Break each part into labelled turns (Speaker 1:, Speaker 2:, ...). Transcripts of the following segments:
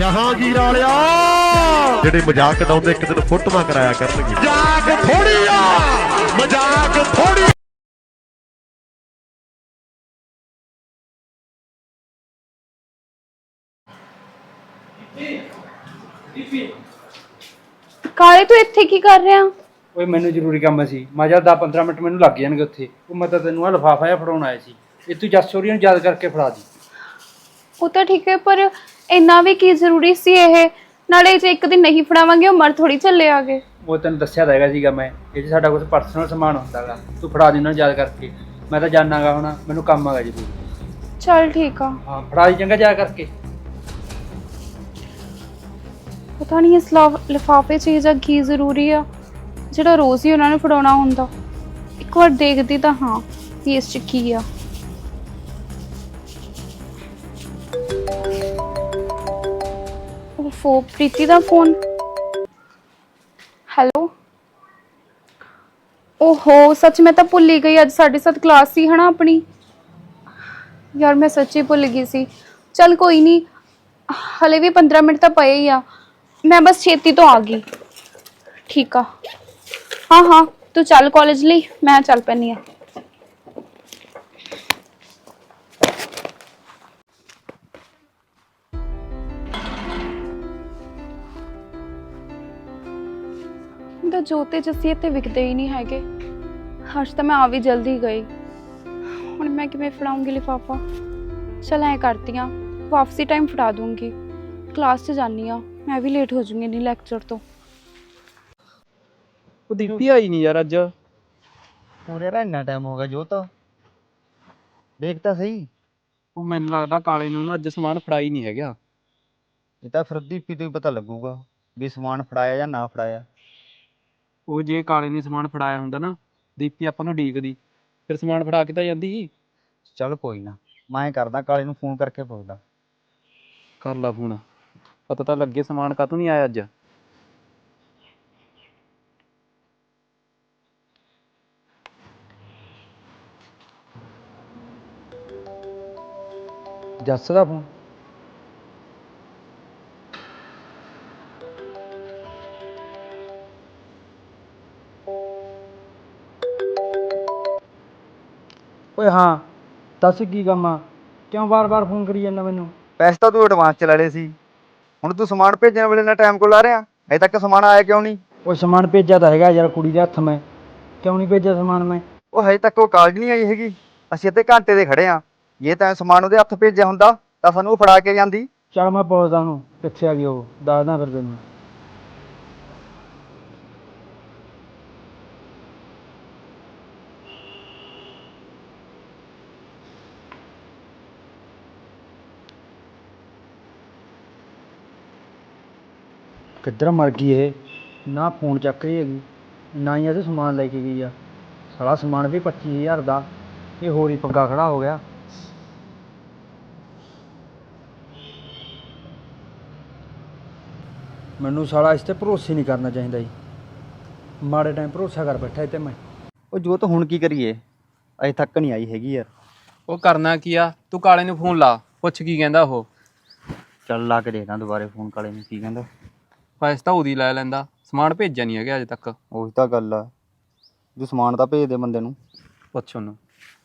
Speaker 1: ਜਹਾਂਗੀਰ ਵਾਲਿਆ ਜਿਹੜੇ ਮਜ਼ਾਕ ਉਡਾਉਂਦੇ ਇੱਕ ਦਿਨ ਫੋਟੋਆਂ ਕਰਾਇਆ ਕਰਨਗੇ। ਮਜ਼ਾਕ ਥੋੜੀ ਆ, ਮਜ਼ਾਕ ਥੋੜੀ।
Speaker 2: ਕਾਲੇ ਤੂੰ ਇੱਥੇ ਕੀ ਕਰ ਰਿਹਾ?
Speaker 3: ਓਏ ਮੈਨੂੰ ਜ਼ਰੂਰੀ ਕੰਮ ਸੀ। ਮੈਂ ਜਦ 10-15 ਮਿੰਟ ਮੈਨੂੰ ਲੱਗ ਜਾਣਗੇ ਉੱਥੇ। ਉਹ ਮੈਂ ਤਾਂ ਤੈਨੂੰ ਆ ਲਿਫਾਫਾ ਜਿਹਾ ਫੜਾਉਣ ਆਇਆ ਸੀ। ਇਹ ਤੂੰ ਜੱਸ ਸੋਰੀਆਂ ਨੂੰ ਯਾਦ ਕਰਕੇ ਫੜਾ ਦੀ।
Speaker 2: ਉਹ ਤਾਂ ਠੀਕ ਹੈ, ਪਰ ਇੰਨਾ ਵੀ ਕੀ ਜ਼ਰੂਰੀ ਸੀ ਇਹ? ਨਾਲੇ ਜੇ ਇੱਕ ਦਿਨ ਨਹੀਂ ਫੜਾਵਾਂਗੇ ਉਹ ਮਰ ਥੋੜੀ ਚੱਲੇ ਆਗੇ।
Speaker 3: ਉਹ ਤੈਨੂੰ ਦੱਸਿਆ ਤਾਂ ਹੈਗਾ ਸੀਗਾ ਮੈਂ, ਇਹ 'ਚ ਸਾਡਾ ਕੁਝ ਪਰਸਨਲ ਸਮਾਨ ਹੁੰਦਾਗਾ। ਤੂੰ ਫੜਾ ਦੇ ਉਹਨਾਂ ਨੂੰ ਯਾਦ ਕਰਕੇ। ਮੈਂ ਤਾਂ ਜਾਣਾਗਾ ਹੁਣ, ਮੈਨੂੰ ਕੰਮ ਆਗਾ ਜ਼ਰੂਰ।
Speaker 2: ਚੱਲ ਠੀਕ ਆ।
Speaker 3: ਹਾਂ ਫੜਾ ਦੀ ਚੰਗਾ ਯਾਦ ਕਰਕੇ।
Speaker 2: ਪਤਾ ਨਹੀਂ ਇਸ ਲਿਫਾਫੇ 'ਚ ਇਹ ਜਾਂ ਕੀ ਜ਼ਰੂਰੀ ਆ ਜਿਹੜਾ ਰੋਜ਼ ਹੀ ਉਹਨਾਂ ਨੂੰ ਫੜਾਉਣਾ ਹੁੰਦਾ। ਇੱਕ ਵਾਰ ਦੇਖਦੀ ਤਾਂ ਹਾਂ ਵੀ ਇਸ 'ਚ ਕੀ ਆ। ਉਹ ਪ੍ਰੀਤੀ ਦਾ ਫੋਨ। ਹੈਲੋ। ਓਹੋ ਸੱਚ, ਮੈਂ ਤਾਂ ਭੁੱਲ ਹੀ ਗਈ। ਅੱਜ 7:30 ਕਲਾਸ ਸੀ ਹਨਾ ਆਪਣੀ। ਯਾਰ ਮੈਂ ਸੱਚੀ ਭੁੱਲ ਗਈ ਸੀ। ਚੱਲ ਕੋਈ ਨਹੀਂ, ਹਲੇ ਵੀ 15 ਮਿੰਟ ਤਾਂ ਪਏ ਹੀ ਆ। ਮੈਂ ਬਸ ਛੇਤੀ ਤੋਂ ਆ ਗਈ। ਠੀਕ ਆ। ਹਾਂ ਹਾਂ ਤੂੰ ਚੱਲ ਕਾਲਜ ਲਈ, ਮੈਂ ਚੱਲ ਪੈਂਦੀ ਆ। ਤਾਂ ਜੋਤੇ ਜੱਸੀ ਇੱਥੇ ਵਿਕਦੇ ਹੀ ਨਹੀਂ ਹੈਗੇ। ਅੱਜ ਤਾਂ ਮੈਂ ਆ ਵੀ ਜਲਦੀ ਗਈ। ਹੁਣ ਮੈਂ ਕਿਵੇਂ ਫੜਾਉਂਗੀ ਲਿਫਾਫਾ? ਚਲ ਐ ਕਰਦੀ ਆ, ਵਾਪਸੀ ਟਾਈਮ ਫੜਾ ਦੂੰਗੀ। ਕਲਾਸ 'ਚ ਜਾਨੀ ਆ, ਮੈਂ ਵੀ ਲੇਟ ਹੋ ਜੂੰਗੀ ਨਹੀਂ ਲੈਕਚਰ ਤੋਂ।
Speaker 3: ਉਹ ਦੀਪੀ ਆਈ ਨਹੀਂ ਯਾਰ ਅੱਜ।
Speaker 4: ਹੋਰ ਯਾਰ ਇੰਨਾ ਟਾਈਮ ਹੋ ਗਿਆ ਜੋਤ, ਦੇਖ ਤਾਂ ਸਹੀ।
Speaker 3: ਉਹ ਮੈਨੂੰ ਲੱਗਦਾ ਕਾਲੇ ਨੂੰ ਨਾ ਅੱਜ ਸਮਾਨ ਫੜਾ ਹੀ ਨਹੀਂ ਹੈਗਾ।
Speaker 4: ਇਹ ਤਾਂ ਫਿਰ ਦੀਪੀ ਤੋਂ ਹੀ ਪਤਾ ਲੱਗੂਗਾ ਵੀ ਸਮਾਨ ਫੜਾਇਆ ਜਾਂ ਨਾ ਫੜਾਇਆ।
Speaker 3: ਉਹ ਜੇ ਕਾਲੇ ਨੇ ਸਮਾਨ ਫੜਾਇਆ ਹੁੰਦਾ ਨਾ, ਦੀਪੀ ਆਪਾਂ ਨੂੰ ਡੀਕਦੀ, ਫਿਰ ਸਮਾਨ ਫੜਾ ਕੇ ਤਾਂ ਜਾਂਦੀ।
Speaker 4: ਚੱਲ ਕੋਈ ਨਾ, ਮੈਂ ਕਰਦਾ ਕਾਲੇ ਨੂੰ ਫੋਨ ਕਰਕੇ ਪੁੱਛਦਾ।
Speaker 3: ਕਰ ਲਾ ਫੋਨ, ਪਤਾ ਤਾਂ ਲੱਗੇ ਸਮਾਨ ਕਾਹਤੋਂ ਨਹੀਂ ਆਇਆ ਅੱਜ। ਜੱਸ ਦਾ ਫੋਨ। ਓਏ ਹਾਂ ਦੱਸ ਕੀ ਕੰਮ ਆ? ਕਿਉਂ ਵਾਰ-ਵਾਰ ਫੋਨ ਕਰੀ ਜਾਂਦਾ ਮੈਨੂੰ?
Speaker 4: ਪੈਸੇ ਤਾਂ ਤੂੰ ਐਡਵਾਂਸ ਚ ਲੈ ਲਏ ਸੀ, ਹੁਣ ਤੂੰ ਸਮਾਨ ਭੇਜਣ ਵੇਲੇ ਨਾਲ ਟਾਈਮ ਕੋਲ ਲਾ ਰਿਹਾ। ਅਜੇ ਤੱਕ ਸਮਾਨ ਆਇਆ ਕਿਉਂ ਨਹੀਂ?
Speaker 3: ਉਹ ਸਮਾਨ ਭੇਜਿਆ ਤਾਂ ਹੈਗਾ ਯਾਰ ਕੁੜੀ ਦੇ ਹੱਥ। ਮੈਂ ਕਿਉਂ ਨਹੀਂ ਭੇਜਿਆ ਸਮਾਨ ਮੈਂ?
Speaker 4: ਉਹ ਹਜੇ ਤੱਕ ਉਹ ਕਾਲਜ ਨਹੀਂ ਆਈ ਹੈਗੀ। ਅਸੀਂ ਅੱਧੇ ਘੰਟੇ ਦੇ ਖੜੇ ਆ। ਜੇ ਤਾਂ ਸਮਾਨ ਉਹਦੇ ਹੱਥ ਭੇਜਿਆ ਹੁੰਦਾ ਤਾਂ ਸਾਨੂੰ ਉਹ ਫੜਾ ਕੇ ਜਾਂਦੀ।
Speaker 3: ਚੱਲ ਮੈਂ ਪੁੱਛਦਾ ਉਹਨੂੰ ਕਿੱਥੇ ਆ ਗਈ ਉਹ, ਦੱਸਦਾ ਫਿਰ ਤੈਨੂੰ। ਕਿੱਧਰ ਮਰ ਗਈ ਇਹ? ਨਾ ਫੋਨ ਚੱਕ ਰਹੀ ਹੈਗੀ, ਨਾ ਹੀ ਇਹਦੇ ਸਮਾਨ ਲੈ ਕੇ ਗਈ ਆ। ਸਾਲਾ ਸਮਾਨ ਵੀ 25,000 ਦਾ, ਇਹ ਹੋਰ ਹੀ ਪੰਗਾ ਖੜਾ ਹੋ ਗਿਆ। ਮੈਨੂੰ ਸਾਲਾ ਇਸ 'ਤੇ ਭਰੋਸੇ ਨਹੀਂ ਕਰਨਾ ਚਾਹੀਦਾ ਜੀ। ਮਾੜੇ ਟਾਈਮ ਭਰੋਸਾ ਕਰ ਬੈਠਾ ਇਹ 'ਤੇ ਮੈਂ।
Speaker 4: ਉਹ ਜੋਤ ਹੁਣ ਕੀ ਕਰੀਏ, ਅਜੇ ਤੱਕ ਨਹੀਂ ਆਈ ਹੈਗੀ ਯਾਰ।
Speaker 5: ਉਹ ਕਰਨਾ ਕੀ ਆ, ਤੂੰ ਕਾਲੇ ਨੂੰ ਫੋਨ ਲਾ, ਪੁੱਛ ਕੀ ਕਹਿੰਦਾ ਉਹ।
Speaker 4: ਚੱਲ ਲਾ ਕੇ ਦੇਖਦਾ ਦੁਬਾਰੇ ਫੋਨ ਕਾਲੇ ਨੂੰ ਕੀ ਕਹਿੰਦਾ।
Speaker 5: ਪੈਸੇ ਤਾਂ ਉਹਦੀ ਲੈ ਲੈਂਦਾ, ਸਮਾਨ ਭੇਜਿਆ ਨਹੀਂ ਹੈਗਾ ਅਜੇ ਤੱਕ।
Speaker 4: ਉਹੀ ਤਾਂ ਗੱਲ ਆ, ਤੂੰ ਸਮਾਨ ਤਾਂ ਭੇਜ ਦੇ ਬੰਦੇ ਨੂੰ।
Speaker 5: ਪੁੱਛ ਉਹਨੂੰ।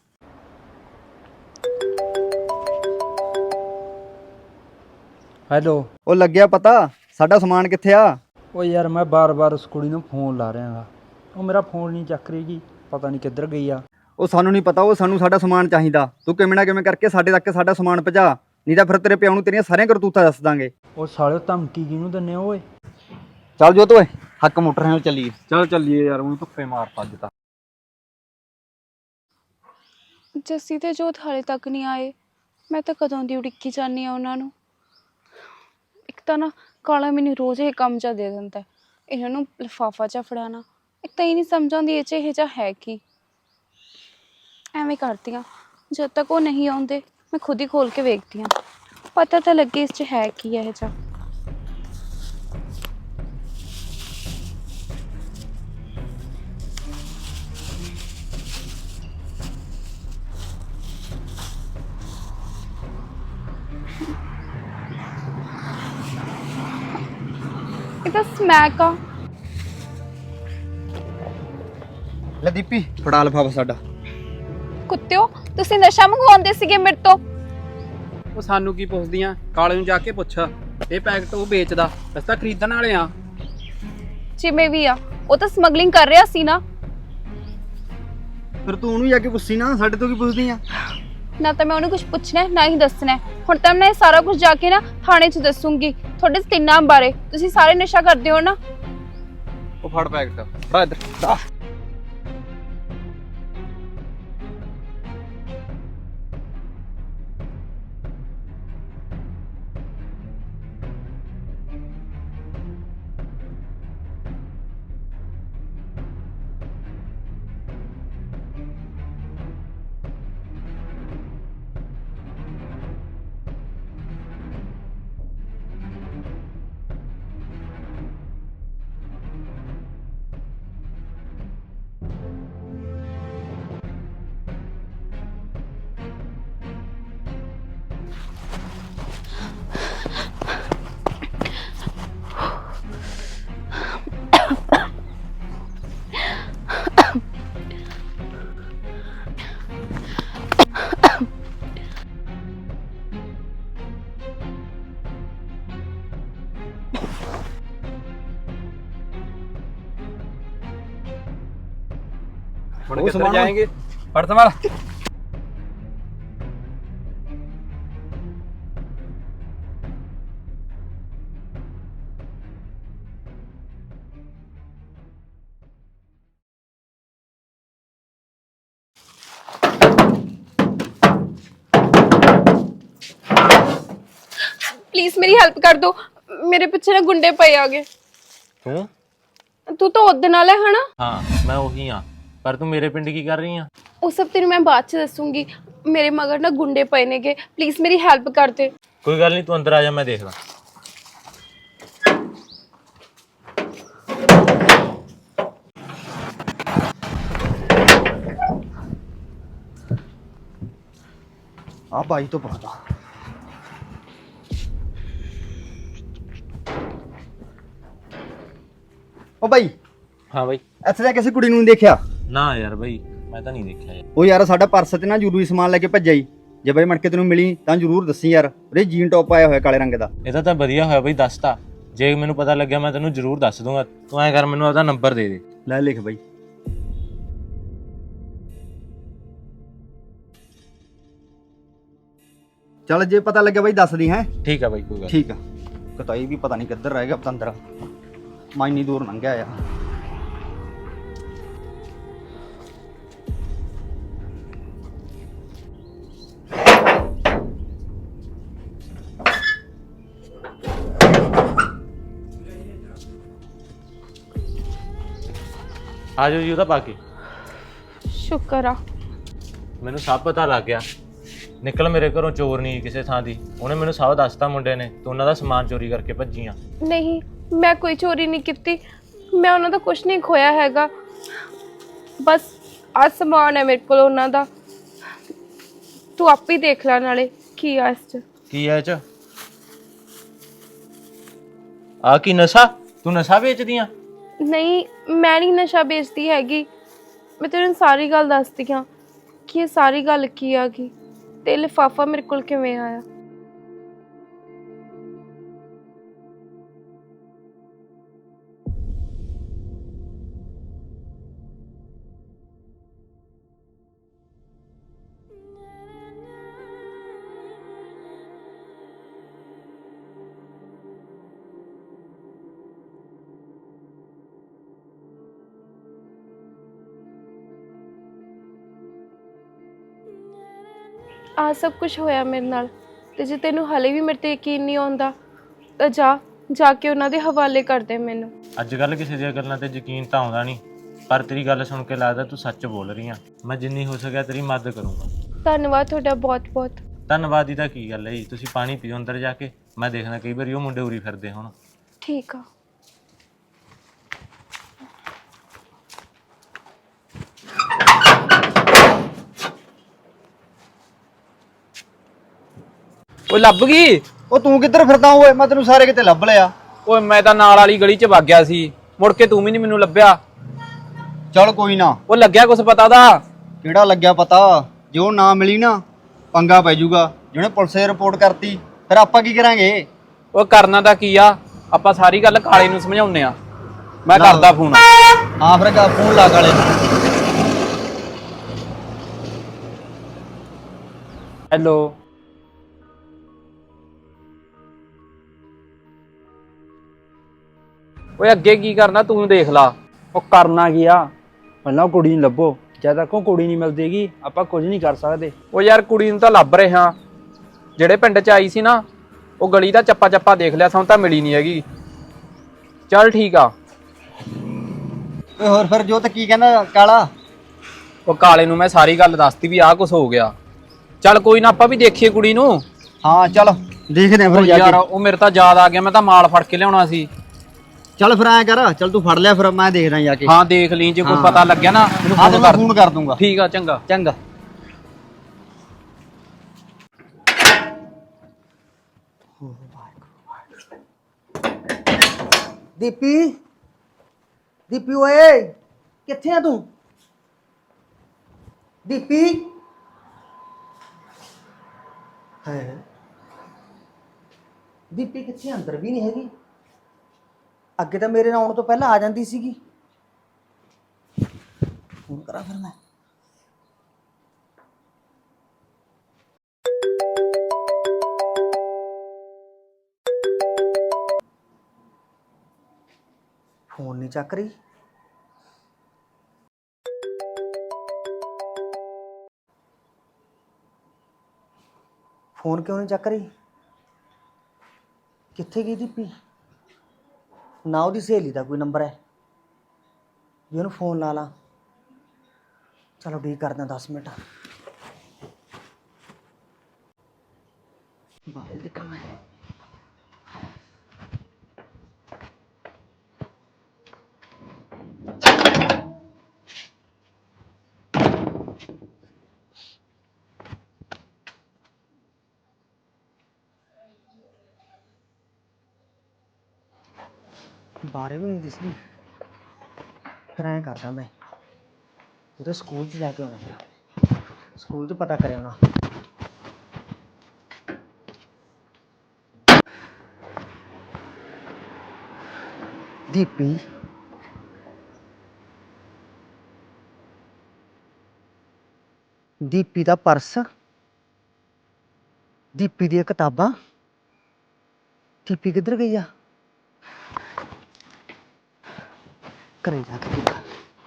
Speaker 3: ਹੈਲੋ।
Speaker 4: ਉਹ ਲੱਗਿਆ ਪਤਾ ਸਾਡਾ ਸਮਾਨ ਕਿੱਥੇ ਆ?
Speaker 3: ਉਹ ਯਾਰ ਮੈਂ ਬਾਰ-ਬਾਰ ਉਸ ਕੁੜੀ ਨੂੰ ਫੋਨ ਲਾ ਰਿਹਾ ਗਾ, ਉਹ ਮੇਰਾ ਫੋਨ ਨਹੀਂ ਚੱਕ ਰਹੀ ਗੀ, ਪਤਾ ਨਹੀਂ ਕਿੱਧਰ ਗਈ ਆ।
Speaker 4: ਉਹ ਸਾਨੂੰ ਨਹੀਂ ਪਤਾ, ਉਹ ਸਾਨੂੰ ਸਾਡਾ ਸਮਾਨ ਚਾਹੀਦਾ। ਤੂੰ ਕਿਵੇਂ ਨਾ ਕਿਵੇਂ ਕਰਕੇ ਸਾਡੇ ਤੱਕ ਸਾਡਾ ਸਮਾਨ ਪਹੁੰਚਾ, ਨਹੀਂ ਤਾਂ ਫਿਰ ਤੇਰੇ ਪਿਓ ਨੂੰ ਤੇਰੀਆਂ ਸਾਰੀਆਂ ਕਰਤੂਤਾਂ ਦੱਸ ਦਾਂਗੇ।
Speaker 3: ਉਹ ਸਾਲਿਓ ਧਮਕੀ ਕਿਹਨੂੰ ਦਿੰਦੇ ਹੋ ਓਏ?
Speaker 4: ਚੱਲ ਜੋਤ ਓਏ, ਹੱਕ ਮੋਟਰ ਨਾਲ ਚੱਲੀਏ।
Speaker 5: ਚੱਲ ਚੱਲੀਏ ਯਾਰ, ਉਹਨੂੰ ਧੁੱਪੇ ਮਾਰਤਾ ਅੱਜ ਤਾਂ।
Speaker 2: ਜੱਸੀ ਤੇ ਜੋਤ ਹਾਲੇ ਤੱਕ ਨਹੀਂ ਆਏ। ਮੈਂ ਤਾਂ ਕਦੋਂ ਦੀ ਉਡੀਕੀ ਜਾਂਦੀ ਆ ਉਹਨਾਂ ਨੂੰ। ਇੱਕ ਤਾਂ ਨਾ ਕਾਲਾ ਮੈਨੂੰ ਰੋਜ਼ ਇਹ ਕੰਮ ਜਿਹਾ ਦੇ ਦਿੰਦਾ, ਇਹਨਾਂ ਨੂੰ ਲਿਫਾਫਾ ਜਿਹਾ ਫੜਾਉਣਾ। ਇੱਕ ਤਾਂ ਇਹ ਨਹੀਂ ਸਮਝ ਆਉਂਦੀ ਇਹ 'ਚ ਇਹ ਜਿਹਾ ਹੈ ਕੀ। ਐਵੇਂ ਕਰਦੀ ਹਾਂ, ਜਦ ਤੱਕ ਉਹ ਨਹੀਂ ਆਉਂਦੇ ਮੈਂ ਖੁਦ ਹੀ ਖੋਲ ਕੇ ਵੇਖਦੀ ਹਾਂ, ਪਤਾ ਤਾਂ ਲੱਗੇ ਇਸ 'ਚ ਹੈ ਕੀ ਇਹ ਜਿਹਾ। ਇਹ ਤਾਂ ਸਮੈਕ ਆ।
Speaker 4: ਲੈ ਦੀਪੀ ਫੜਾ ਲਿਫਾਫਾ ਸਾਡਾ।
Speaker 2: ਕੁੱਤਿਓ, ਤੁਸੀਂ ਨਸ਼ਾ ਮੰਗਵਾਉਂਦੇ ਸੀਗੇ ਮੇਰੇ ਤੋਂ।
Speaker 5: ਉਹ ਸਾਨੂੰ ਕੀ ਪੁੱਛਦੀਆਂ? ਕਾਲੇ ਨੂੰ ਜਾ ਕੇ ਪੁੱਛ। ਇਹ ਪੈਕਟ ਉਹ ਵੇਚਦਾ, ਅਸੀਂ ਤਾਂ ਖਰੀਦਣ ਵਾਲੇ ਆ।
Speaker 2: ਜਿਵੇਂ ਵੀ ਆ, ਉਹ ਤਾਂ ਸਮਗਲਿੰਗ ਕਰ ਰਿਹਾ ਸੀ ਨਾ।
Speaker 4: ਫਿਰ ਤੂੰ ਉਹਨੂੰ ਜਾ ਕੇ ਪੁੱਛੀ ਨਾ, ਸਾਡੇ ਤੋਂ ਕੀ ਪੁੱਛਦੀ ਆ?
Speaker 2: ਨਾ ਤਾਂ ਮੈਂ ਉਹਨੂੰ ਕੁਝ ਪੁੱਛਣਾ ਨਾ ਹੀ ਦੱਸਣਾ। ਹੁਣ ਤਾਂ ਮੈਂ ਇਹ ਸਾਰਾ ਕੁਝ ਜਾ ਕੇ ਨਾ ਥਾਣੇ 'ਚ ਦੱਸੂਗੀ ਤੁਹਾਡੇ ਤਿੰਨਾਂ ਬਾਰੇ। ਤੁਸੀਂ ਸਾਰੇ ਨਸ਼ਾ ਕਰਦੇ ਹੋ ਨਾ।
Speaker 5: ਉਹ ਫੜ ਪੈਕਟ, ਫੜਾ ਇੱਧਰ। ਹੁਣ ਕਿੱਧਰ ਜਾਏंगे? ਫੜ ਸੰਭਾਲ।
Speaker 2: प्लीज मेरी हेल्प कर दो। मेरे पीछे ना गुंडे पे आ गए। तू तो उदन वाला है ना?
Speaker 6: हाँ मैं वही हाँ, पर तू मेरे पिंड की कर रही है?
Speaker 2: वो सब तेरे मैं बाद च दसूंगी। मेरे मगर ना गुंडे पे ने गए, प्लीज मेरी हेल्प कर दे।
Speaker 6: कोई गल नहीं, तू अंदर आ जा, मैं देख ला।
Speaker 4: ਆ ਬਾਈ ਤੋਂ ਪੁੱਛਦਾ। ਓ ਬਾਈ,
Speaker 6: हाँ भाई।
Speaker 4: ਇੱਥੇ ਤਾਂ ਕਿਸੇ ਕੁੜੀ ਨੂੰ ਨਹੀਂ ਦੇਖਿਆ?
Speaker 6: ना यार भाई, मैं तो नहीं देखा यार।
Speaker 4: ਉਹ ਯਾਰ ਸਾਡਾ ਪਰਸ ਤੇ ਨਾ ਜ਼ਰੂਰੀ ਸਮਾਨ ਲੈ ਕੇ ਭੱਜਿਆ ਈ। ਜੇ ਬਾਈ ਮਣਕੇ ਤੈਨੂੰ ਮਿਲੀ ਤਾਂ ਜ਼ਰੂਰ ਦੱਸੀ ਯਾਰ। ਉਹਦੇ ਜੀਨ ਟੌਪ ਆਇਆ ਹੋਇਆ ਕਾਲੇ ਰੰਗ ਦਾ।
Speaker 6: ਇਹਦਾ ਤਾਂ ਵਧੀਆ ਹੋਇਆ ਬਈ ਦੱਸਤਾ। ਜੇ ਮੈਨੂੰ ਪਤਾ ਲੱਗਿਆ ਮੈਂ ਤੈਨੂੰ ਜ਼ਰੂਰ ਦੱਸ ਦੂੰਗਾ। ਤੂੰ ਐਂ ਕਰ, ਮੈਨੂੰ ਆਪਦਾ ਨੰਬਰ ਦੇ ਦੇ।
Speaker 4: ਲੈ ਲਿਖ ਬਾਈ। ਚੱਲ ਜੇ ਪਤਾ ਲੱਗਿਆ ਬਾਈ ਦੱਸ ਦੀ ਹੈ।
Speaker 6: ਠੀਕ ਹੈ ਬਾਈ, ਕੋਈ ਗੱਲ।
Speaker 4: ਠੀਕ ਆ। ਕਤਾਈ ਵੀ ਪਤਾ ਨਹੀਂ ਕਿੱਧਰ ਰਹਿ ਗਿਆ ਪਤੰਦਰ। ਮੈਂ ਇੰਨੀ ਦੂਰ ਲੰਘਿਆ ਆ।
Speaker 6: ਆ ਜਾਓ ਜੀ ਉਹਦਾ ਪਾ ਕੇ।
Speaker 2: शुक्र आ।
Speaker 6: ਮੈਨੂੰ ਸਭ ਪਤਾ ਲੱਗ ਗਿਆ। ਨਿਕਲ ਮੇਰੇ ਘਰੋਂ ਚੋਰ ਨਹੀਂ ਕਿਸੇ ਥਾਂ ਦੀ। ਉਹਨੇ ਮੈਨੂੰ ਸਭ ਦੱਸਤਾ ਮੁੰਡੇ ਨੇ। ਤੂੰ ਉਹਨਾਂ ਦਾ ਸਮਾਨ ਚੋਰੀ ਕਰਕੇ ਭੱਜੀਆਂ।
Speaker 2: नहीं, मैं कोई चोरी नहीं की। मैं उन्होंने कुछ नहीं खोया हैगा। बस आ समान है मेरे को उन्हों दा। तू आप ही देख ला नाले की आ इस च।
Speaker 6: ਕੀ ਐ ਇਹ ਚ? ਆ ਕੀ ਨਸ਼ਾ? ਤੂੰ ਨਸ਼ਾ ਵੇਚਦੀ ਆ?
Speaker 2: नहीं, मैं नहीं नशा बेचती हैगी। मैं तेन सारी गल दसदी हाँ कि ये सारी गल की आ गई ते लिफाफा मेरे को किवें आया। आ सब कुछ होया मेरे नाल ते जे तेनू हले भी मेरे ते यकीन नहीं आउंदा तां जाके उन्हां दे हवाले कर दे मैनू।
Speaker 6: ਅੱਜ ਕੱਲ ਕਿਸੇ ਦੀਆਂ ਗੱਲਾਂ ਤੇ ਯਕੀਨ ਤਾਂ ਆਉਂਦਾ ਨਹੀਂ, ਪਰ ਤੇਰੀ ਗੱਲ ਸੁਣ ਕੇ ਲੱਗਦਾ ਤੂੰ ਸੱਚ ਬੋਲ ਰਹੀ ਆ। ਮੈਂ ਜਿੰਨੀ ਹੋ ਸਕਿਆ ਤੇਰੀ ਮਦਦ ਕਰੂੰਗਾ।
Speaker 2: ਧੰਨਵਾਦ ਤੁਹਾਡਾ ਬਹੁਤ ਬਹੁਤ।
Speaker 6: ਧੰਨਵਾਦ ਦੀ ਤਾਂ ਕੀ ਗੱਲ ਹੈ ਜੀ। ਤੁਸੀਂ ਪਾਣੀ ਪੀਓ ਅੰਦਰ ਜਾ ਕੇ। ਮੈਂ ਦੇਖਣਾ ਕਈ ਵਾਰੀ ਉਹ ਮੁੰਡੇ ਉਰੀ ਫਿਰਦੇ ਹੁਣ।
Speaker 2: ਠੀਕ ਆ।
Speaker 5: ਉਹ ਲੱਭ ਗਈ।
Speaker 4: ਉਹ ਤੂੰ ਕਿੱਧਰ ਫਿਰਦਾ ਓਏ? ਮੈਂ ਤੈਨੂੰ ਸਾਰੇ ਕਿਤੇ ਲੱਭ ਲਿਆ।
Speaker 5: ਓਏ ਮੈਂ ਤਾਂ ਨਾਲ ਵਾਲੀ ਗਲੀ 'ਚ ਵਗ ਗਿਆ ਸੀ, ਮੁੜ ਕੇ ਤੂੰ ਵੀ ਨਹੀਂ ਮੈਨੂੰ ਲੱਭਿਆ।
Speaker 4: ਚੱਲ ਕੋਈ ਨਾ,
Speaker 5: ਉਹ ਲੱਗਿਆ ਕੁਛ ਪਤਾ ਦਾ?
Speaker 4: ਕਿਹੜਾ ਲੱਗਿਆ ਪਤਾ, ਜੇ ਉਹ ਨਾ ਮਿਲੀ ਨਾ ਪੰਗਾ ਪੈ ਜਾਊਗਾ। ਜਿਹਨੇ ਪੁਲਿਸ 'ਚ ਰਿਪੋਰਟ ਕਰਤੀ ਫਿਰ ਆਪਾਂ ਕੀ ਕਰਾਂਗੇ?
Speaker 5: ਉਹ ਕਰਨਾ ਤਾਂ ਕੀ ਆ, ਆਪਾਂ ਸਾਰੀ ਗੱਲ ਕਾਲੇ ਨੂੰ ਸਮਝਾਉਂਦੇ ਆ। ਮੈਂ
Speaker 4: ਲਾ।
Speaker 5: ਕਰਦਾ ਫੋਨ।
Speaker 4: ਹਾਂ ਫਿਰ ਫੋਨ ਲਾ ਕਾਲੇ ਨੂੰ।
Speaker 5: ਹੈਲੋ। ਓਏ ਅੱਗੇ ਕੀ ਕਰਨਾ ਤੂੰ ਦੇਖ ਲਾ।
Speaker 3: ਉਹ ਕਰਨਾ ਕੀ ਆ, ਪਹਿਲਾਂ ਉਹ ਕੁੜੀ ਨੂੰ ਲੱਭੋ। ਜਦ ਤੱਕ ਉਹ ਕੁੜੀ ਨਹੀਂ ਮਿਲਦੀਗੀ ਆਪਾਂ ਕੁਝ ਨਹੀਂ ਕਰ ਸਕਦੇ।
Speaker 5: ਉਹ ਯਾਰ ਕੁੜੀ ਨੂੰ ਤਾਂ ਲੱਭ ਰਿਹਾ, ਜਿਹੜੇ ਪਿੰਡ 'ਚ ਆਈ ਸੀ ਨਾ, ਉਹ ਗਲੀ ਦਾ ਚੱਪਾ ਚੱਪਾ ਦੇਖ ਲਿਆ, ਸਾਨੂੰ ਤਾਂ ਮਿਲੀ ਨਹੀਂ ਹੈਗੀ। ਚੱਲ ਠੀਕ ਆ।
Speaker 4: ਓਏ ਹੋਰ ਫਿਰ ਜੋਤ ਕੀ ਕਹਿੰਦਾ ਕਾਲਾ?
Speaker 5: ਉਹ ਕਾਲੇ ਨੂੰ ਮੈਂ ਸਾਰੀ ਗੱਲ ਦੱਸਤੀ ਵੀ ਆਹ ਕੁਛ ਹੋ ਗਿਆ। ਚੱਲ ਕੋਈ ਨਾ, ਆਪਾਂ ਵੀ ਦੇਖੀਏ ਕੁੜੀ ਨੂੰ।
Speaker 4: ਹਾਂ ਚੱਲ ਦੇਖਦੇ ਆਂ ਫਿਰ ਜਾ
Speaker 5: ਯਾਰ
Speaker 4: ਕੇ।
Speaker 5: ਉਹ ਮੇਰੇ ਤਾਂ ਯਾਦ ਆ ਗਿਆ, ਮੈਂ ਤਾਂ ਮਾਲ ਫੜ ਕੇ ਲਿਆਉਣਾ ਸੀ।
Speaker 4: ਚੱਲ ਫਿਰ ਐਂ ਕਰ, ਚੱਲ ਤੂੰ ਫੜ ਲਿਆ, ਫਿਰ ਮੈਂ ਦੇਖਦਾ ਜਾ ਕੇ।
Speaker 5: ਹਾਂ ਦੇਖ ਲਈ, ਜੇ ਕੋਈ
Speaker 4: ਹਾਂ।
Speaker 5: ਪਤਾ ਲੱਗਿਆ ਨਾ ਮੈਨੂੰ
Speaker 4: ਹਾਂ ਤੇ
Speaker 5: ਫੋਨ
Speaker 4: ਮੈਂ
Speaker 5: ਕਰ।
Speaker 4: ਫੋਨ ਕਰ ਦੂੰਗਾ।
Speaker 5: ਠੀਕ ਆ, ਚੰਗਾ।
Speaker 4: ਚੰਗਾ।
Speaker 7: ਦੀਪੀ ਦੀਪੀ ਓਏ ਕਿੱਥੇ ਆ ਤੂੰ? ਦੀਪੀ ਹੈ ਦੀਪੀ ਕਿੱਥੇ? ਅੰਦਰ ਵੀ ਨਹੀਂ ਹੈਗੀ। ਅੱਗੇ ਤਾਂ ਮੇਰੇ ਨਾਲ ਆਉਣ ਤੋਂ ਪਹਿਲਾਂ ਆ ਜਾਂਦੀ ਸੀਗੀ। ਫੋਨ ਕਰਾਂ ਫਿਰ ਮੈਂ। ਫੋਨ ਨਹੀਂ ਚੱਕ ਰਹੀ। ਫੋਨ ਕਿਉਂ ਨਹੀਂ ਚੱਕ ਰਹੀ? ਕਿੱਥੇ ਗਈ ਦੀਪੀ? ਨਾ ਉਹਦੀ ਸਹੇਲੀ ਦਾ ਕੋਈ ਨੰਬਰ ਹੈ ਵੀ ਉਹਨੂੰ ਫੋਨ ਲਾ ਲਾ। ਚਲੋ ਡੀ ਕਰਦਾ 10 ਮਿੰਟ। ਬਾਹਰ ਦੇਖਾਂ ਮੈਂ। ਬਾਰੇ ਵੀ ਨਹੀਂ ਦਿਸਦੀ। ਫਿਰ ਐਂ ਕਰਦਾ ਮੈਂ, ਉਹਦੇ ਸਕੂਲ 'ਚ ਜਾ ਕੇ ਆਉਣਾ, ਸਕੂਲ 'ਚ ਪਤਾ ਕਰਿਆ ਆਉਣਾ। ਦੀਪੀ ਦੀਪੀ ਦਾ ਪਰਸ, ਦੀਪੀ ਦੀਆਂ ਕਿਤਾਬਾਂ। ਦੀਪੀ ਕਿੱਧਰ ਗਈ ਆ? ਘਰੇ ਜਾ ਕੇ ਦੇਖਾਂ।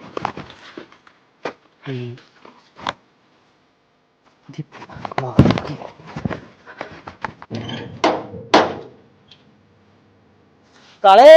Speaker 7: ਦੀਪੀ ਕਮਾਲ ਦੀ। ਕਾਲੇ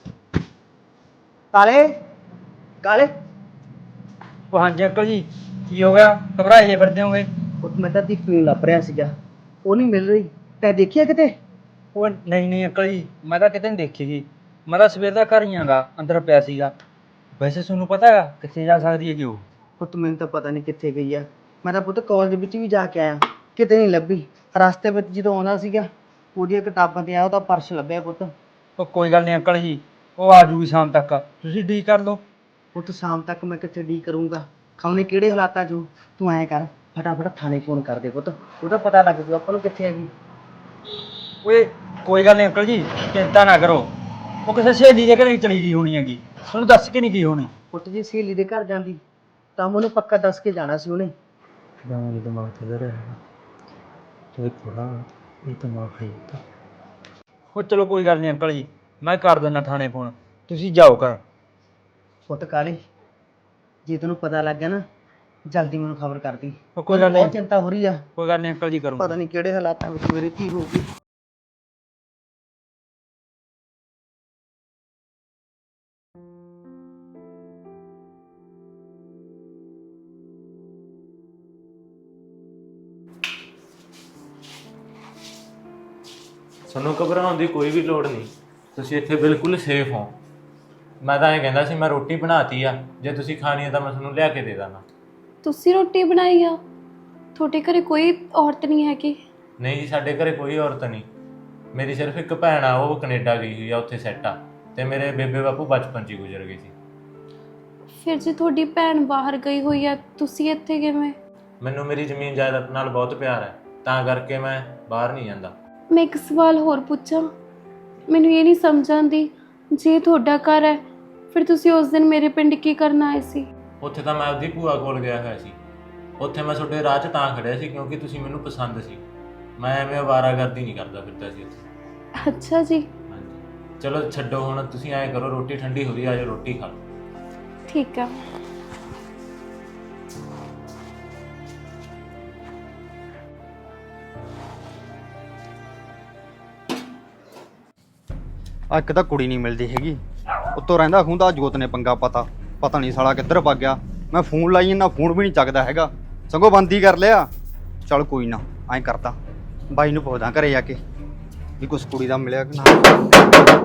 Speaker 7: ਕਾਲੇ ਕਾਲੇ।
Speaker 3: ਉਹ ਹਾਂਜੀ ਅੰਕਲ ਜੀ, ਕੀ ਹੋ ਗਿਆ? ਘਬਰਾਏ ਜੇ ਫਿਰਦੇ ਹੋਗੇ?
Speaker 7: ਉਹ ਮੈਂ ਤਾਂ ਦੀਪੀ ਨੂੰ ਲੱਭ ਰਿਹਾ ਸੀਗਾ, ਉਹ ਨਹੀਂ ਮਿਲ ਰਹੀ। ਤੈਂ ਦੇਖਿਆ ਕਿਤੇ?
Speaker 3: ਉਹ ਨਹੀਂ ਅੰਕਲ ਜੀ, ਮੈਂ ਤਾਂ ਕਿਤੇ ਨਹੀਂ ਦੇਖੀਗੀ। ਮੈਂ ਤਾਂ ਸਵੇਰ ਦਾ ਘਰ ਹੀ ਆਂਗਾ, ਅੰਦਰ ਪਿਆ ਸੀਗਾ। ਵੈਸੇ ਤੁਹਾਨੂੰ ਪਤਾ ਹੈਗਾ ਕਿੱਥੇ ਜਾ ਸਕਦੀ ਹੈਗੀ ਉਹ?
Speaker 7: ਪੁੱਤ ਮੈਨੂੰ ਤਾਂ ਪਤਾ ਨਹੀਂ ਕਿੱਥੇ ਗਈ ਆ। ਮੈਂ ਤਾਂ ਪੁੱਤ ਕਾਲਜ ਵਿੱਚ ਵੀ ਜਾ ਕੇ ਆਇਆ, ਕਿਤੇ ਨਹੀਂ ਲੱਭੀ। ਰਸਤੇ ਵਿੱਚ ਜਦੋਂ ਆਉਂਦਾ ਸੀਗਾ ਉਹਦੀਆਂ ਕਿਤਾਬਾਂ ਤੇ ਆ ਉਹਦਾ ਪਰਸ ਲੱਭਿਆ ਪੁੱਤ।
Speaker 3: ਉਹ ਕੋਈ ਗੱਲ ਨਹੀਂ ਅੰਕਲ ਜੀ, ਉਹ ਆ ਜੂਗੀ ਸ਼ਾਮ ਤੱਕ, ਤੁਸੀਂ ਡੀ ਕਰ ਲਓ।
Speaker 7: ਪੁੱਤ ਸ਼ਾਮ ਤੱਕ ਮੈਂ ਕਿੱਥੇ ਡੀ ਕਰੂੰਗਾ, ਖਾਉਣੇ ਕਿਹੜੇ ਹਾਲਾਤਾਂ 'ਚ। ਤੂੰ ਐਂ ਕਰ, ਫਟਾਫਟ ਥਾਣੇ ਫੋਨ ਕਰ ਦੇ ਪੁੱਤ, ਉਹਦਾ ਪਤਾ ਲੱਗ ਜੂ ਆਪਾਂ ਨੂੰ ਕਿੱਥੇ ਹੈਗੀ।
Speaker 3: ਓਏ ਕੋਈ ਗੱਲ ਨਹੀਂ ਅੰਕਲ ਜੀ, ਚਿੰਤਾ ਨਾ ਕਰੋ। ਉਹ ਕਿਸੇ ਸਹੇਲੀ ਦੇ ਘਰੇ ਚਲੀ ਗਈ ਹੋਣੀ ਹੈਗੀ, ਤੁਹਾਨੂੰ ਦੱਸ ਕੇ ਨਹੀਂ ਗਈ ਹੋਣੀ।
Speaker 7: ਪੁੱਤ ਜੀ ਸਹੇਲੀ ਦੇ ਘਰ ਜਾਂਦੀ ਤਾਂ ਮੈਨੂੰ ਪੱਕਾ ਦੱਸ ਕੇ ਜਾਣਾ ਸੀ ਉਹਨੇ।
Speaker 3: ਦਿਮਾਗ ਦਿਮਾਗ ਤੇ ਰਿਹਾ ਤੇ ਥੋੜਾ ਇਹ ਦਿਮਾਗ ਖਾਈ ਤਾਂ। ਉਹ ਚਲੋ ਕੋਈ ਗੱਲ ਨਹੀਂ ਅੰਕਲ ਜੀ, ਮੈਂ ਕਰ ਦਿੰਦਾ ਥਾਣੇ ਫੋਨ, ਤੁਸੀਂ ਜਾਓ ਘਰ।
Speaker 7: ਪੁੱਤ ਕਾਲੇ, ਜੇ ਤੈਨੂੰ ਪਤਾ ਲੱਗ ਗਿਆ ਨਾ ਜਲਦੀ ਮੈਨੂੰ ਖਬਰ ਕਰ ਦੀ।
Speaker 3: ਉਹ ਕੋਈ ਗੱਲ
Speaker 7: ਬਹੁਤ
Speaker 3: ਨਹੀਂ,
Speaker 7: ਚਿੰਤਾ ਹੋ ਰਹੀ ਆ,
Speaker 3: ਕੋਈ ਗੱਲ ਨਹੀਂ ਅੰਕਲ ਜੀ, ਕਰੂੰਗਾ।
Speaker 7: ਪਤਾ ਨਹੀਂ ਕਿਹੜੇ ਹਾਲਾਤਾਂ ਵਿੱਚ ਮੇਰੀ ਧੀ ਹੋਊਗੀ।
Speaker 6: ਤੁਹਾਨੂੰ ਘਬਰਾਉਣ ਦੀ ਕੋਈ ਵੀ ਲੋੜ ਨਹੀਂ, ਤੁਸੀਂ ਇੱਥੇ ਬਿਲਕੁਲ ਸੇਫ ਹੋ। ਮੈਂ ਤਾਂ ਇਹ ਕਹਿੰਦਾ ਸੀ ਮੈਂ ਰੋਟੀ ਬਣਾਤੀ ਆ, ਜੇ ਤੁਸੀਂ ਖਾਣੀ ਹੈ ਤਾਂ ਮੈਂ ਤੁਹਾਨੂੰ ਲਿਆ ਕੇ ਦੇ ਦਾਂਗਾ।
Speaker 2: ਤੁਸੀਂ ਰੋਟੀ ਬਣਾਈ ਆ? ਤੁਹਾਡੇ ਘਰੇ ਕੋਈ ਔਰਤ ਨਹੀਂ ਹੈਗੀ?
Speaker 6: ਨਹੀਂ ਜੀ, ਸਾਡੇ ਘਰੇ ਕੋਈ ਔਰਤ ਨਹੀਂ। ਮੇਰੀ ਸਿਰਫ ਇੱਕ ਭੈਣ ਆ, ਉਹ ਕੈਨੇਡਾ ਗਈ ਹੋਈ ਆ, ਉੱਥੇ ਸੈੱਟ ਆ, ਤੇ ਮੇਰੇ ਬੇਬੇ ਬਾਪੂ ਬਚਪਨ 'ਚ ਹੀ ਗੁਜ਼ਰ ਗਏ ਸੀ।
Speaker 2: ਫਿਰ ਜੇ ਤੁਹਾਡੀ ਭੈਣ ਬਾਹਰ ਗਈ ਹੋਈ ਆ, ਤੁਸੀਂ ਇੱਥੇ ਕਿਵੇਂ?
Speaker 6: ਮੈਨੂੰ ਮੇਰੀ ਜ਼ਮੀਨ ਜਾਇਦਾਦ ਨਾਲ ਬਹੁਤ ਪਿਆਰ ਹੈ, ਤਾਂ ਕਰਕੇ ਮੈਂ ਬਾਹਰ ਨਹੀਂ ਜਾਂਦਾ।
Speaker 2: ਮੈਂ ਇੱਕ ਸਵਾਲ ਹੋਰ ਪੁੱਛਾਂ? ਮੈਨੂੰ ਇਹ ਨਹੀਂ ਸਮਝ ਆਉਂਦੀ, ਜੇ ਤੁਹਾਡਾ ਘਰ ਹੈ ਫਿਰ ਤੁਸੀਂ ਉਸ ਦਿਨ ਮੇਰੇ ਪਿੰਡ ਕੀ ਕਰਨ ਆਏ ਸੀ?
Speaker 6: ਉੱਥੇ ਤਾਂ ਮੈਂ ਆਪਦੀ ਭੂਆ ਕੋਲ ਗਿਆ ਹੋਇਆ ਸੀ। ਉੱਥੇ ਮੈਂ ਤੁਹਾਡੇ ਰਾਹ 'ਚ ਤਾਂ ਖੜਿਆ ਸੀ ਕਿਉਂਕਿ ਤੁਸੀਂ ਮੈਨੂੰ ਪਸੰਦ ਸੀ। ਮੈਂ ਐਵੇਂ ਅਵਾਰਾਗਰਦੀ ਨਹੀਂ ਕਰਦਾ ਫਿਰਦਾ ਸੀ ਉੱਥੇ।
Speaker 2: ਅੱਛਾ ਜੀ।
Speaker 6: ਹਾਂਜੀ, ਚਲੋ ਛੱਡੋ ਹੁਣ, ਤੁਸੀਂ ਐਂ ਕਰੋ, ਰੋਟੀ ਠੰਡੀ ਹੋ ਗਈ, ਆ ਜਾਓ ਰੋਟੀ ਖਾ ਲਓ।
Speaker 2: ਠੀਕ ਆ।
Speaker 4: ਆ ਇੱਕ ਤਾਂ ਕੁੜੀ ਨਹੀਂ ਮਿਲਦੀ ਹੈਗੀ, ਉੱਤੋਂ ਰਹਿੰਦਾ ਖੂੰਦਾ ਜੋਤ ਨੇ ਪੰਗਾ ਪਤਾ ਨਹੀਂ ਸਾਲਾ ਕਿੱਧਰ ਭੱਗ ਗਿਆ। ਮੈਂ ਫੋਨ ਲਾਈ ਨਾ, ਫੋਨ ਵੀ ਨਹੀਂ ਚੱਕਦਾ ਹੈਗਾ, ਸਗੋਂ ਬੰਦ ਹੀ ਕਰ ਲਿਆ। ਚੱਲ ਕੋਈ ਨਾ, ਐਂ ਕਰਦਾ ਬਾਈ ਨੂੰ ਪੁੱਛਦਾ ਘਰੇ ਜਾ ਕੇ ਵੀ ਕੁਛ ਕੁੜੀ ਦਾ ਮਿਲਿਆ ਕਿ ਨਾ।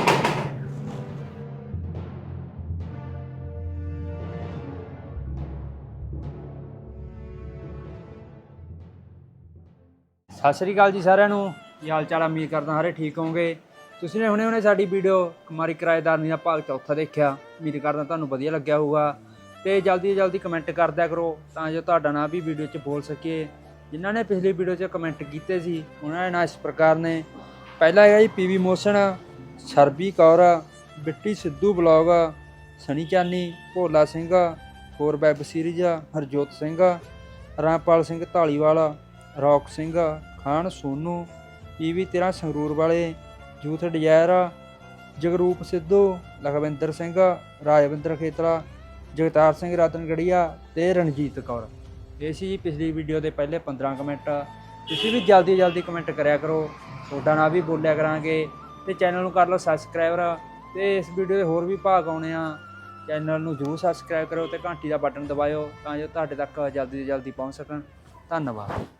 Speaker 3: ਸਤਿ ਸ਼੍ਰੀ ਅਕਾਲ ਜੀ ਸਾਰਿਆਂ ਨੂੰ, ਕੀ ਹਾਲ ਚਾਲ? ਉਮੀਦ ਕਰਦਾ ਸਾਰੇ ਠੀਕ ਹੋਵੋਗੇ। ਤੁਸੀਂ ਨੇ ਹੁਣੇ ਸਾਡੀ ਵੀਡੀਓ ਕੁਮਾਰੀ ਕਿਰਾਏਦਾਰਨੀ ਦਾ ਭਾਗ ਚੌਥਾ ਦੇਖਿਆ, ਉਮੀਦ ਕਰਦਾ ਤੁਹਾਨੂੰ ਵਧੀਆ ਲੱਗਿਆ ਹੋਊਗਾ। ਤੇ ਜਲਦੀ ਤੋਂ ਜਲਦੀ ਕਮੈਂਟ ਕਰ ਦਿਆ ਕਰੋ ਤਾਂ ਜੋ ਤੁਹਾਡਾ ਨਾਂ ਵੀ ਵੀਡੀਓ 'ਚ ਬੋਲ ਸਕੀਏ। ਜਿਨ੍ਹਾਂ ਨੇ ਪਿਛਲੀ ਵੀਡੀਓ 'ਚ ਕਮੈਂਟ ਕੀਤੇ ਸੀ ਉਹਨਾਂ ਦੇ ਨਾਂ ਇਸ ਪ੍ਰਕਾਰ ਨੇ। ਪਹਿਲਾ ਹੈਗਾ ਜੀ PV motion, Sarbi Kaur, Bitti Sidhu blog, Sunny Chani, Bhola Singh, ਹੋਰ web series, Harjot Singh, Rampal Singh Dhaliwal, Rock Singh, Khan Sonu, PV 13 Sangrur ਵਾਲੇ, ਯੂਥ ਡਿਜ਼ਾਇਰ, ਜਗਰੂਪ ਸਿੱਧੂ, ਲਖਵਿੰਦਰ ਸਿੰਘ, ਰਾਜਵਿੰਦਰ ਖੇਤਲਾ, ਜਗਤਾਰ ਸਿੰਘ ਰਤਨਗੜੀਆ ਤੇ ਰਣਜੀਤ ਕੌਰ। ਇਹ ਸੀ ਜੀ ਪਿਛਲੀ ਵੀਡੀਓ ਦੇ ਪਹਿਲੇ 15 ਕਮੈਂਟ। ਤੁਸੀਂ ਵੀ ਜਲਦੀ ਜਲਦੀ ਕਮੈਂਟ ਕਰਿਆ ਕਰੋ, ਤੁਹਾਡਾ ਨਾਂ ਵੀ ਬੋਲਿਆ ਕਰਾਂਗੇ। ਤੇ ਚੈਨਲ ਨੂੰ ਕਰ ਲਓ ਸਬਸਕ੍ਰਾਈਬਰ, ਤੇ ਇਸ ਵੀਡੀਓ ਦੇ ਹੋਰ ਵੀ ਭਾਗ ਆਉਣੇ ਆ। ਚੈਨਲ ਨੂੰ ਜ਼ਰੂਰ ਸਬਸਕ੍ਰਾਈਬ ਕਰੋ ਤੇ ਘੰਟੀ ਦਾ ਬਟਨ ਦਬਾਇਓ ਤਾਂ ਜੋ ਤੁਹਾਡੇ ਤੱਕ ਜਲਦੀ ਤੋਂ ਜਲਦੀ ਪਹੁੰਚ ਸਕਣ। ਧੰਨਵਾਦ।